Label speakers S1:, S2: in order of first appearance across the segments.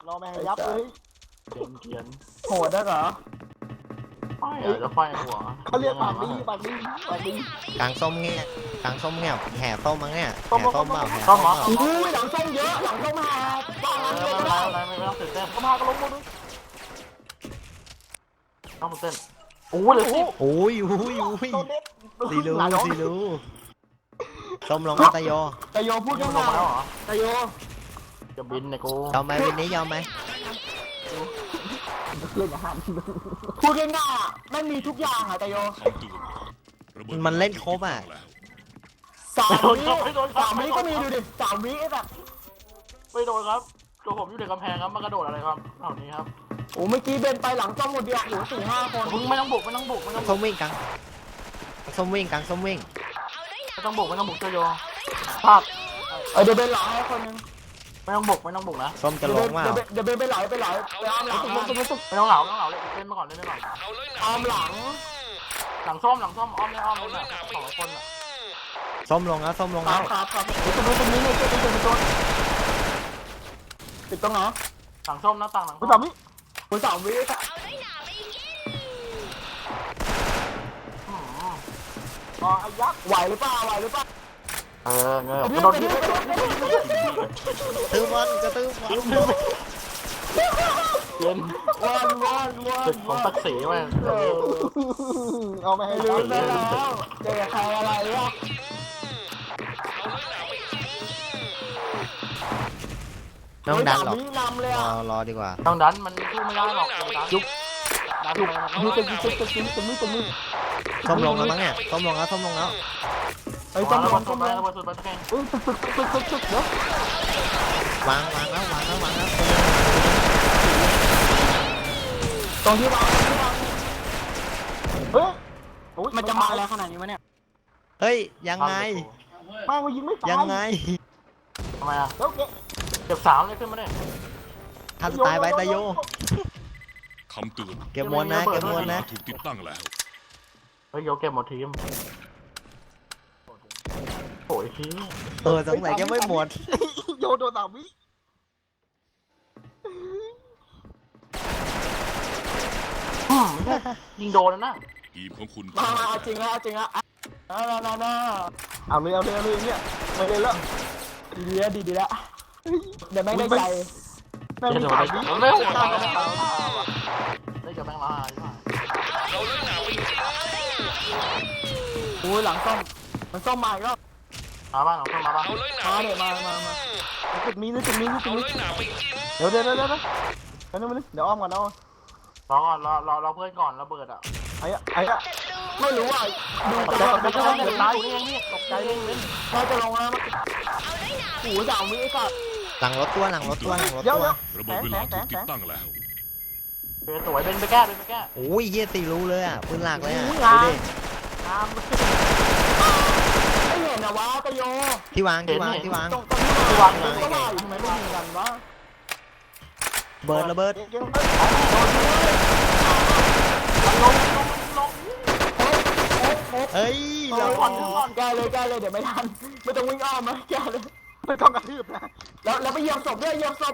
S1: รอแม่ยับเลย
S2: เขียน
S1: โหดได้เหรอ
S2: ไฟจะไฟหัว
S1: เขาเรียกปากดีปากดีปากดี
S3: กลางส้มเงี้ยกลางส้มเงี้ยแห่ส้มมั้งเนี่ยแห่ส้มเปล่าแห่ส้มเปล่า
S1: อุ้ยหลังส้มเยอะหลังส้มหาบ้าง
S2: ไม่ต้องตื่นเต้น
S1: ก็พาก็ล้มหมดเลย
S2: ต้องตื่นเต้นโอ้ยเลยสิ
S3: โอ้ยสีรู้ส้มลงตะโย
S1: พูดยังไงตะโย
S2: จะบินเนี่ยกู
S3: ยอมไหมวินนี้ยอมไหม
S1: เล่นอาหารพูดง่ายๆไม่มีทุกอย่างอ่ะตะโย
S3: มันเล่นครบอ่ะ
S1: 3 วิก็มีดูดิ3 วิแบบ
S2: ไม่โดนครับตัวผมอยู่ในกำแพงครับมันกระโดดอะไรครับเหล่านี้ครับ
S1: โอ้เมื่อกี้เบนไปหลังจ้องหมดเดียวโอ้4-5 คน
S2: ไม่ต้องบุก
S3: ส้มวิ่งกลางส้มวิ่งกลางส้มวิ่ง
S2: ไม่ต้องบุกเจโยพลาด
S1: เดี๋ยวเบนหลังให้คนนึง
S2: ไม่ต้องบุกนะ
S3: ส้มจะลงว่า
S1: เดี๋ยวเบนไปไหลไปอ้อมหลัง
S2: ไม่ต้องเหลาเลยเล่นมาก่อน
S1: อ้อมหลัง
S2: ส้มอ้อมเลยแบบ2 คนอ่ะ
S3: ส้มลงแล้วส้มลงแล้ว
S1: ครับตรงนี้เนี่ยติดตรงไหน
S2: หลังส้มหน้าต่างหลัง
S1: 3 วิ3 วิอ่ะไอ้ยักษ์ไหวหรือเปล่า
S2: เงี้ย
S3: กระโดดตื้อมันกระตื้อมัน
S2: เย็นจุดของตักสีไว้
S1: เอาไม่ให้ลืมแล้วเจอใครอะไรวะ
S3: น้องดันหรอกรอดีกว่า
S2: น้องดันมันสู้ไม่ได้หรอกยุบ
S1: ตรงนี้
S3: ส้มลงแล้วมั้งเนี่ยส้มลงแล้ว
S1: ไอ้ส้มลง
S2: ไปแข่ง
S1: เดี๋ยว
S3: วางแล้ว
S1: ตรงที่วางมันจะมาแล้วขนาดนี้วะเนี่ย
S3: เฮ้ยยังไง
S1: มายิงไม่ตาย
S3: ยังไง
S2: ทำไมอ่ะเก็บ3เลยขึ้นมาเนี่ย
S3: ถ้าตายไปตะโย
S4: คำเตือน
S3: เก็บมวลนะ
S4: ถูกติดตั้งแล้ว
S2: เฮ้ยโยเก็บหมดทีมโอ้ยที
S3: สงสัยจะไม่หมด
S1: โยโดน3 วิ
S2: ยิงโดนนะ
S4: ทีมของคุณ
S1: มาจริงแล้วน่าเอาเลยเนี่ยไม่เล่นแล้วดีแล้วเดี๋ยวไม่ได้ใจ
S2: ไม่มีข่าวไม่โหดได้กับแบงค์ละ
S1: โอ้ยหลังส้มมันส้มมาอีกแล้ว
S2: มาบ้างหลังส้มมาบ้าง
S1: เนี่ยมาจุดมีเดี๋ยวอ้อมก่อนเอา
S2: รอเพื่อนก่อนระเบิดอ่ะ
S1: ไอ้ไม่รู้อ่ะดู
S2: จะตายอยู่นี่ตกใจเลย
S1: น่าจะลงแล้วโอ้โห3 วิก็
S3: หลังรถตัว
S4: ระเบิดเวลาถูกติดตั้งแล้ว
S2: สวยเป็นไปแก้
S3: โอ้ยเยี่ยตีรู้เลยอ่ะปืนหลักเลยอ่ะ
S1: ดูดิไม่เห็นนะวะตะโย
S3: ที่วาง
S1: ทำไมไม่ยิงกันวะ
S3: เบิร์ดระเบิดเฮ้ย
S1: เราแกเลยเดี๋ยวไม่ทันไม่ต้องวิ่งอ้อมนะแกเลยไม่ต้องกระทืบนะแล้วไปเหยียบศพด้วยเหยียบศพ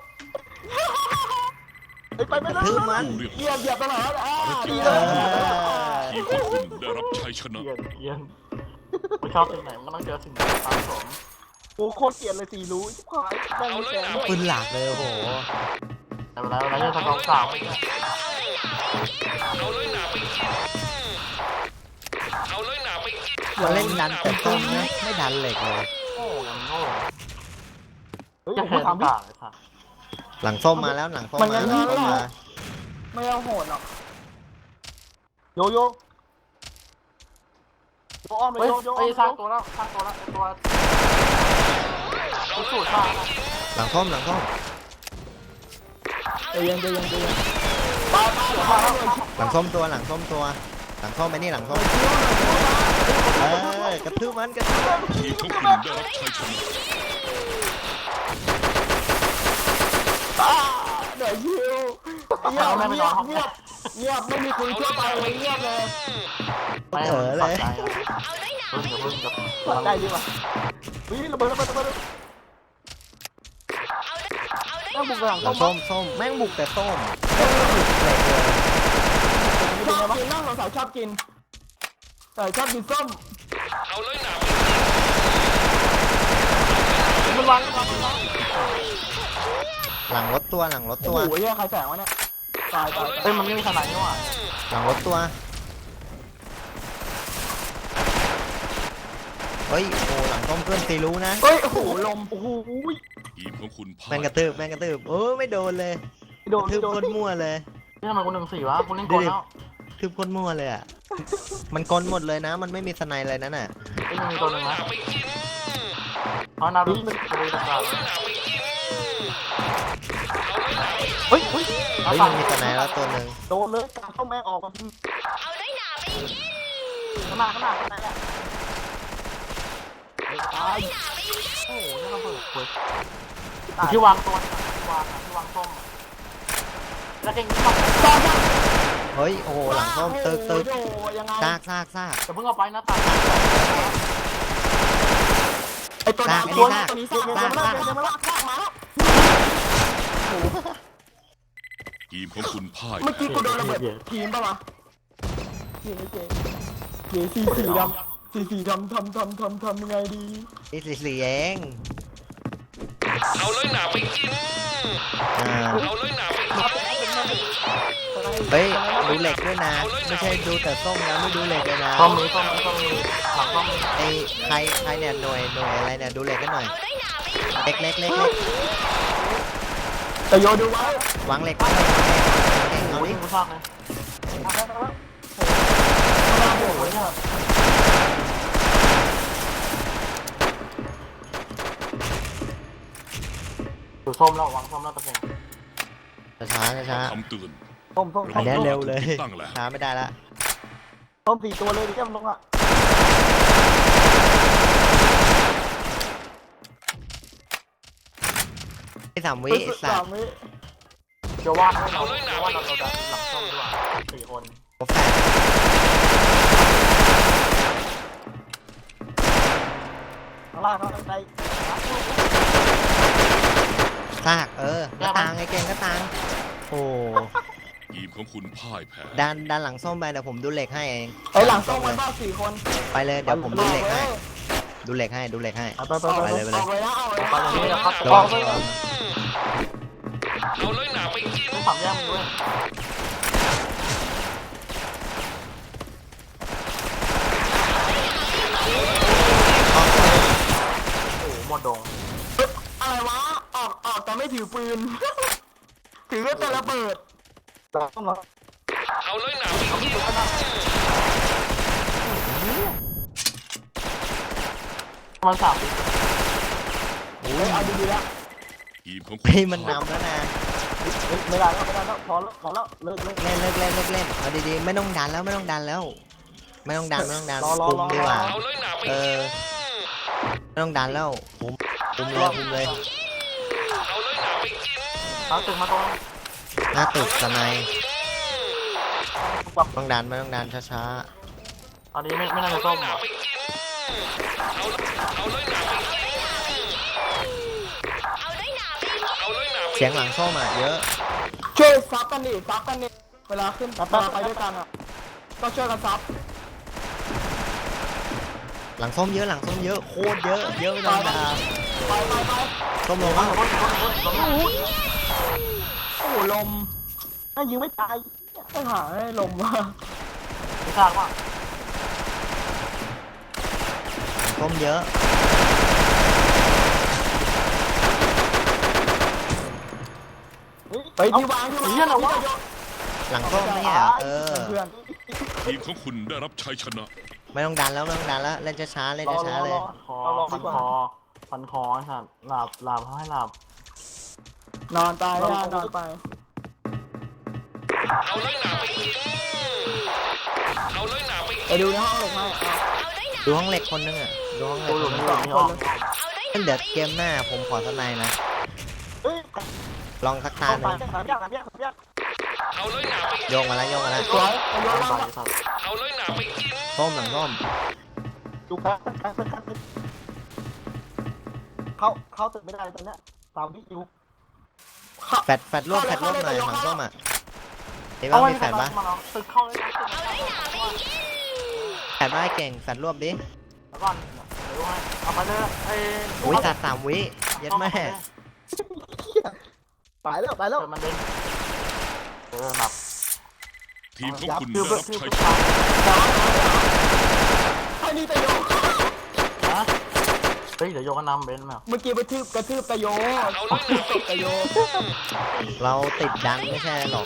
S1: ไปไม่ได้เหยียบตลอด
S4: ทีมของคุณได้รับชัยชนะ
S2: เย็นไม่ชอบสิ่งไหนมันต้องเจอสิ่งนั้นตามผม
S1: โอ้โคตรเกลียดเลยสีรู้ชิบหายแม่งแกด้วย
S3: ปืนหลักเลยโอ้โห
S2: อะไรจะทำของสาว
S3: มาเล่นดันแต่ต้นนะไม่ดันเหล็กเลย
S2: จะเห็นต่างเลยค่ะ
S3: หลังส้มมาแล้วหลังส้มมา
S1: ไม่เอาโหดหรอกโยอ้อมเลยโย
S2: ไปสร้างตัวแล้วตัวสูตรสร้าง
S3: หลังส้ม
S1: เดี๋ยวห
S3: ลังส้มตัวหลังส้มไปนี่หลังส้มกระทืบมัน
S4: ทีมของคุณได้รับชัยชนะ
S1: เดี๋ยวยิวเงียบไม่มีคุยทั่วไปเลยเงียบเลย
S3: เลย
S1: ใจดีว่ะวิ่งระเบิดต้องบุกหลัง
S3: หลัง
S1: ส้
S3: ส้
S1: ม
S3: มส้มแม่งบุกแต่ส้มแม่งบุกเลย
S1: ชอบกินนั่งสาวชอบกินแต่ชอบกินส้ม
S4: เอาเลยหนา
S1: มันวาง
S3: หลังรถตัวหลังรถ
S1: โอ้
S3: ตัว
S1: โหเฮียใครแสงวะเนี่ยตาย
S2: เฮ้ยมันไม่มีสไนนี่หว่า
S3: หลังรถตัวเฮ้ยโอ้หลังส้มเพื่อนตีรู้นะ
S1: เฮ้ยโอ้โหลมโอ้โห
S4: ทีมของคุณพ่าย
S3: แม่งกระตืบแม่งกระตืบไม่โดนเลย
S1: โดน
S3: ทืบ
S1: โด
S3: โคน ตรมั่วเลย
S2: นี่ทำไมกู1-4วะกูเล่นโกนแล้ว
S3: ทืบโคตรมั่วเลยอ่ะมันกลหมดเลยนะ มันไม่มีสไนเลยนั่นน่ะ
S2: ไอ้ยังมีตัวหนึ่งนะเพราะนารุมันตัวต่างๆเฮ้ย
S3: เฮ้ยมันมีสไนแล้วตัวหนึ่ง
S1: โดนเลยการเข้าแม่งออกมา
S2: ข้างหน้าเนี่ยตายโอ้โหนี่เราเปิดคุยที่วางตัวที่วางส้มแล้วเก่งนี่มา
S3: เฮ้ยโอ้โหหลังส้มตึก
S1: ยังไง
S3: ซาก
S2: จะเพิ่งเอาไปนะตาย
S1: ไอตัวนี้ตัวนี้สร้างมาแล้วโอ้โห
S4: ทีมของคุณพ่าย
S1: เมื่อกี้กูโดนระเบิดทีมป่ะวะเก๋สีดำสีดำทำยังไงดี
S3: นี่สีเอง
S4: เอาเลยหนาไปกิน
S3: อ่า
S4: เอาเลยหนาไปกิน
S3: เฮ้ยดูเหล็กด้วยนะไม่ใช่ดูแต่ส้มนะไม่ดูเหล็กเลยนะ
S2: ส้มนี้หลังส้ม
S3: ไอ้ใครเนี่ยหน่วยอะไรเนี่ยดูเหล็กกันหน่อยเล็ก
S1: แต่โยดูไว้
S3: วางเหล็กเอา
S2: โอ้ย
S3: ดิ
S2: กูชอบเลยดูส้มแล้ววางส้มแล้วตะเกียง
S3: ช้า
S4: คำเตือน
S1: ส้ม
S3: อันนี้เร็วเลย
S4: ตั้งแล้ว
S3: ช้าไม่ได้ละ
S1: ส้ม4 ตัวเลยดิแก้มลงอ่ะ
S3: ที่3 วิสัตว์
S2: จะว่าเราดันหลังส้มดีกว่า4 คน
S3: โอ้แฟน
S1: ข้างล่างเขาใจ
S3: ซากกระตังไอ้เก่งกระตังโอ้
S4: ทีมของคุณพ่ายแพ้
S3: ดันหลังส้มไปเดี๋ยวผมดูเหล็กให้เอง
S1: ไอหลังส้มมันบ้า4 คน
S3: ไปเลยเดี๋ยวผมดูเหล็กให้ดูเหล็กให้
S2: ไป
S1: ออกเลยนะเอาเลย
S2: ตอนนี้เราพัก
S3: ระวัง
S4: เอาเลยหนาไปกิน
S2: ต้องขับแย่งด้วยโอ้หมดดง
S1: อะไรวะออกแต่ไม่ถือปืนถือแต่ระเบิด
S4: เอาเลยหนาไปกิน
S2: มัน3 วิ
S1: เอาดีๆแล้ว
S4: ทีมของคุณ
S3: เฮ้ยมันนำแล้วนะ
S1: ไม่ได้แล้วพอแล้วเลิก
S3: เล่นเอาดีๆไม่ต้องดันแล้วไม่ต้องดันคุมดีกว่า
S4: เอาเลยหนาไป
S3: ไม่ต้องดันแล้วคุมเลย
S4: เอาเลยหนาไปกิน
S2: เอาตึกมาตรง
S3: หน้าตึกสไนต้องดันไม่ต้องดันช้า
S2: ตอนนี้ไม่น่าจะส้มหรอ
S4: ไปกินเอาเลยหนาไปกินเอาเลยหนา
S3: ๆเสียงหลังส้มเยอะ
S1: ช่วยซับกันดิเวลาขึ้นเวลาไปด้วยกันอ่ะก็ช่วยกันซับ
S3: หลังส้มเยอะโคตรเยอะไม่ต้องด่า
S1: ไป
S3: ส้มลงแล้ว
S1: โอ้โหลมถ้ายิงไม่ตายต้องหาให้ลมว่ะ
S2: ไม่ทราบว่า
S3: หลังส้มเยอะ
S1: ไปที่วางที่วาง
S3: หลังส้มเนี่ย
S1: เพื่อน
S4: ทีมของคุณได้รับชัยชนะ
S3: ไม่ต้องดันแล้วเล่นช้าๆเลย
S2: คอพันคอสัตว์หลับให้หลับ
S1: นอนตายนอนไป
S4: เอาเลยหนาไปกินเอาเลยหนาไป
S1: ไปดูในห้องเหล็กให้
S3: ดูห้องเหล็กคนนึงดูห้องเหล็
S2: กู
S3: ก
S2: อยู่ในห้อง
S3: เดี๋ยวเกมหน้าผมขอสไนนะ
S1: เฮ้ย
S3: ลองสักตาหนึ่ง
S4: เอาเลยหนาไป
S3: โยงมาแล้ว
S1: สวย
S4: เอาเลยหนาไปกิน
S3: ส้มหลังส้ม
S1: ดูแพ้เข้าตึกไม่ได้ตอนนี้3 วิอยู่
S3: แฟดรวบหน่อยหลังส้มอ่ะเดี๋ยว
S2: เอาไว้
S3: มีแฟดปะ
S2: มาลองตึกเข้าเลยนะ
S3: แฟดมาให้เก่งแฟดรวบดิ
S2: แล้วก่อนเดี๋ยวให้เอาไปเลยไอ้
S3: อุ้ยตัด3 วิเย็ดแม่
S1: ตายแล้วตายแล้ว
S2: เปิดมันเด้งหลับ
S4: ทีมของคุณ
S2: คือ
S4: ได้
S2: เบิ
S4: รั
S2: ก
S4: บ
S2: คือ
S4: ชัย
S2: เบิ
S4: ช
S2: ก
S4: นะ
S1: ไอ้นี่ตะโย
S2: นะเฮ้ยเดี๋ยวโยกนำเบนมา
S1: เมื่อกี้ไปกระทืบตะโยตบตะโย
S3: เราติดดันไม่ใช่หรอก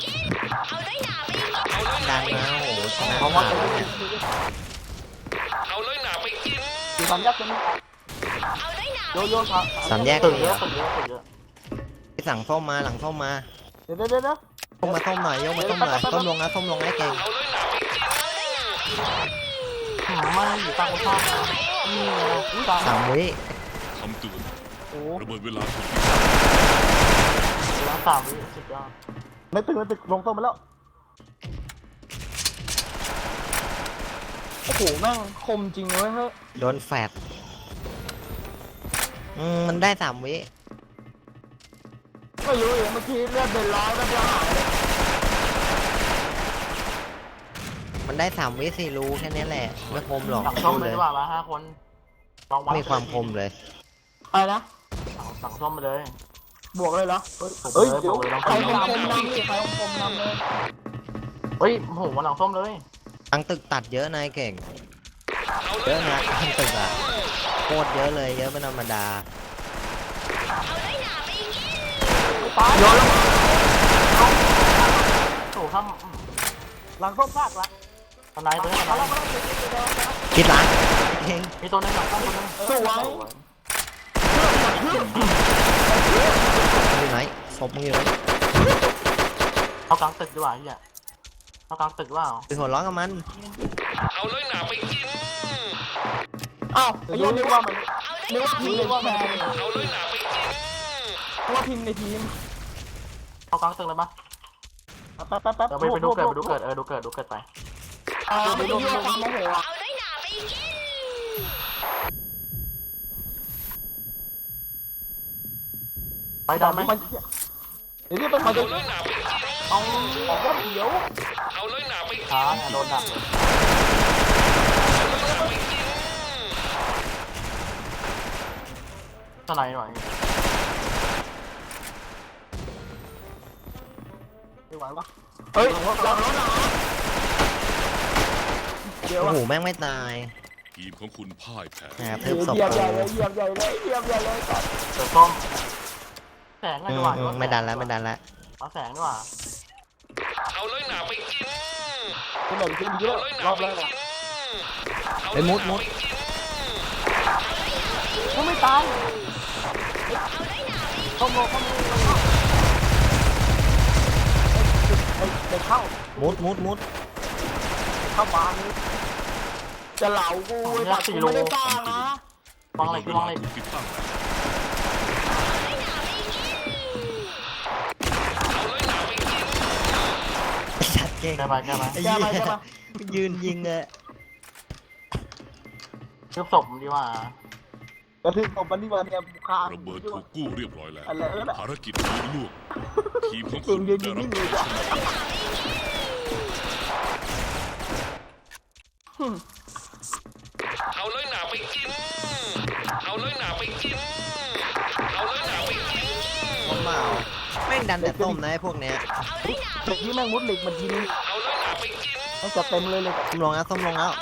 S3: ดันนะโอ้โหชนะ
S2: เพราะว่า
S3: ขาดแล้วเนี่ย
S4: เอาเลยหนาไปกิน
S2: คือสามแยกตัวนี้โยครับ
S3: สามแยก
S2: ตึก
S3: เล
S2: เย
S3: ย
S2: อะตึกเยอะตึกเยอะ
S3: ไปสั่งส้มมาหลังส้มมา
S2: เดี๋ยว
S3: ส้มมาส้มหน่อยยกมาส้มหน่อยส้มลงนะส้มลงนะเก่ง
S2: ไม่อยู่ตั้งข้างนี่ไงอุ้ยตาย
S3: 3 วิ
S4: คำเตือน
S2: โอ้
S4: ระเบิดเวลาถูก
S2: ล้าง3 วิสุดยอดไม่ตึกลงต้มไปแล้ว
S1: โอ้โหแม่งคมจริงเลยเฮ้ย
S3: โดนแฟดมันได้3 วิ
S1: ไม่รู้เลยเมื่อกี้เลือดเดินร้อยแล้วเดียวหายเลย
S3: มันได้3 วิ4 รูแค่นี้แหละไม่คมหรอก
S2: สั่งส้มเลยดีกว่ามา5 คนลองวัด
S3: มีความคมเลย
S1: อะไรนะ
S2: สั่งส้มไปเลย
S1: บวกเลยเหรอ
S2: เฮ้ยเดี๋ยว
S1: ใครคมนำนี่ใครคมนำเลย
S2: เฮ้ยโหวันหลังส้มเลย
S3: ทั้งตึกตัดเยอะนายเก่งเยอะนะทั้งตึกอ่ะโคตรเยอะเลยเยอะเป็นธรรมดา
S1: โยนแล้ว
S2: โถข้ามหลังส้มพลาดละตอนไหนตัวนี้ตอนไหน
S3: คิดละเก่ง
S2: มีตัวนึงหลังส้มตัวนึง
S1: สวย
S3: อยู่ไหนศพมึงอยู่ไหน
S2: เอากลางตึกดีกว่าเฮียเอากลางตึกว่า
S3: ไปหัวร้อนกับมัน
S4: เอาเลยหนาไปกิน
S1: อ้าวไอ้ยันนึกว่ามันนึกว่าทีมในแชร์
S4: เอาเลยหนาไปกิน
S1: นึกว่าทีมในทีม
S2: เอากลางตึกเลยปะ
S1: แป๊บ
S2: เดี๋ยวไปดูเกิดดูเกิดดูเกิดไป
S1: ไปดูความโมโหอ่ะ
S2: ไปได้ไหม
S1: มันเดี๋ยวนี้เป็นมันจะ
S4: เอาเลยหนาไปกิน
S1: เอาออกว่าเดี๋ยว
S4: เอาเลยหนาไปกิน
S2: ช้าโดนดักเลยตอนไหนหน่อย
S1: ไม่ไหววะเฮ้ยเราเดี๋ยว
S3: โอ้
S1: อ่ะ
S3: โหแม่งไม่ตาย
S4: ทีมของคุณพ่ายแพ้
S3: แหมเพิ่มศพ
S1: เหยียบ
S3: กู
S1: ใหญ่เลยเหยียบใหญ่เลยเหยียบใหญ่เลยก่อน
S2: เกิดส้มแสงไงดีกว่า
S3: ไม่ดันแล้วไม่ดันแล้ว
S2: เอาแสงดีกว่า
S4: เอาเลยหนาไปกิน
S1: เป็นแบบทีมเยอะ
S4: เอาเลยห
S1: ร
S4: นา
S1: อบ
S4: ไป
S1: แรก
S4: กิน
S3: ไปมุด
S1: ก็ไม่ตายเข้าโลเข้าโลเด็กเข้า
S3: มุด
S1: เข้าบ้านจะเหลากูแต่กูไม่ได้สร้างนะ
S2: วางเหล็กวางเหล็ก
S4: ถูกติดตั้งแล้วเอาเลยหนาไปกิน
S3: ชัดเก่ง
S2: แกไป
S3: ไอ้เหี้ยยืนยิงเลย
S2: เชือบศพดีกว่า
S1: กระทืบผมมันนี่มาเนี่ยค้าง
S4: ระเบิดถูกกู้เรียบร้อยแล้ว
S1: อะไรนั่นแหละ
S4: ภารกิจนี้ล่วงทีมของ
S1: เก่
S4: คุ
S1: ง
S4: ณ
S1: ยืน
S4: ได้
S1: ยิง
S4: รับ
S1: นิ่ง
S4: ชั
S1: เลย
S4: ย
S1: จ้ะ
S4: ชนะเอาเลยหนาไปกิน เอาเลยหนาไปกิน เอาเลยหนาไปกิน
S3: ผมเมาแม่งดันแต่ต้มนะไอ้พวกเนี้ย
S1: เด็กที่แม่งมุดเหล็กมันทีนึง
S4: เอาเลยหนาไปกิน
S1: มันจะเต็มเลย
S3: ส้มลงแล้วส้มลงแล้ว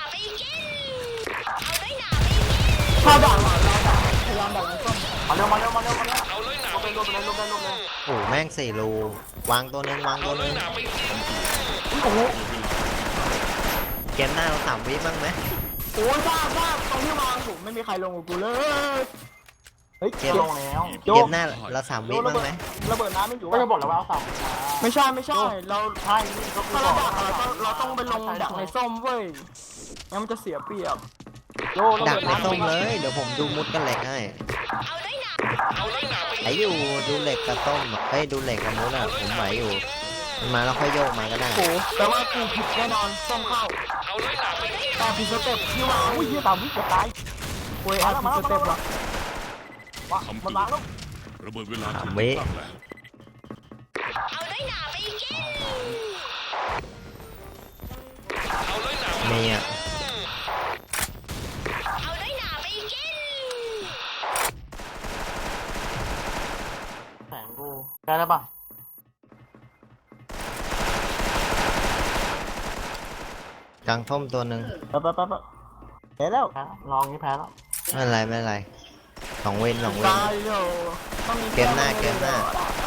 S1: ถ้าด่าเราด่าพยายามด่ามันส้ม
S2: มาเร็ว
S4: เอาเลยหนา
S2: ล
S4: ไป
S2: งไป
S4: กิน
S2: ลงไปเลย
S3: โอ้โหแม่ง4 รูวางตัวหนึงวาง
S4: เอา
S3: ตัวห
S4: เล
S3: นึ
S4: ย
S3: ง
S4: หนาไปกิน
S1: โอ้โห
S3: เกมหน้าเรา3 วิบ้างไหม
S1: โอ้ยบ้าตรงที่วางผมไม่มีใครลงกับกูเลยเฮ้ย
S3: เก
S2: เกีย
S3: ม
S2: ร์ลงแล้ว
S3: เกมหน้าเรา3 วิบ้างไหม
S1: ระเบิดน้ำไม่อยู่
S2: ก็จะบอกแล้วว่าเอาสาม
S1: ไม่ใช่เรา
S2: ใช่นี่ก็คือ
S1: ถ้า
S2: บ
S1: เรา
S2: อก
S1: ดักเราต้องไปลงดักในส้มเว้ยงั้นมันจะเสียเปรียบ
S2: โย
S3: ดักในส้มเลยเดี๋ยวผมดูมุดกันเหล็กให้
S4: เอาเลยหนาไป
S3: ไหวอยู่ดูเหล็กกับต้มเฮ้ยดูเหล็กกับมุดอ่ะผมไหวอยู่มันมาแล้วค่อยโยกมาก็ได้
S1: โอ้แต่ว่ากูผิดแน่นอนส้มเข้า
S4: เอาเลยหนาไปกิน
S1: แต่ผิดสเต็ปที่วางอุ้ยยี่สามวิจะตายโอ้ยผิดสเต็ปว่ะ
S4: คำเตือนระเบิดเวลาถูก
S3: 3 วิ
S4: ตั้งแล้ว
S3: มีอ่ะ
S2: แสงกูแก้ได้ปะ
S3: กลางท่อมตัวหนึ่ง
S1: ไปเห็นแล้ว
S2: แพ้ลองนี้แพ้แล้ว
S3: ไม่เป็นไรไม่เป็นไรสองเว้น
S1: ตายโยต้องมี
S3: เกมหน้า
S1: แก้มือ
S3: เกมหน้า
S1: เหรอ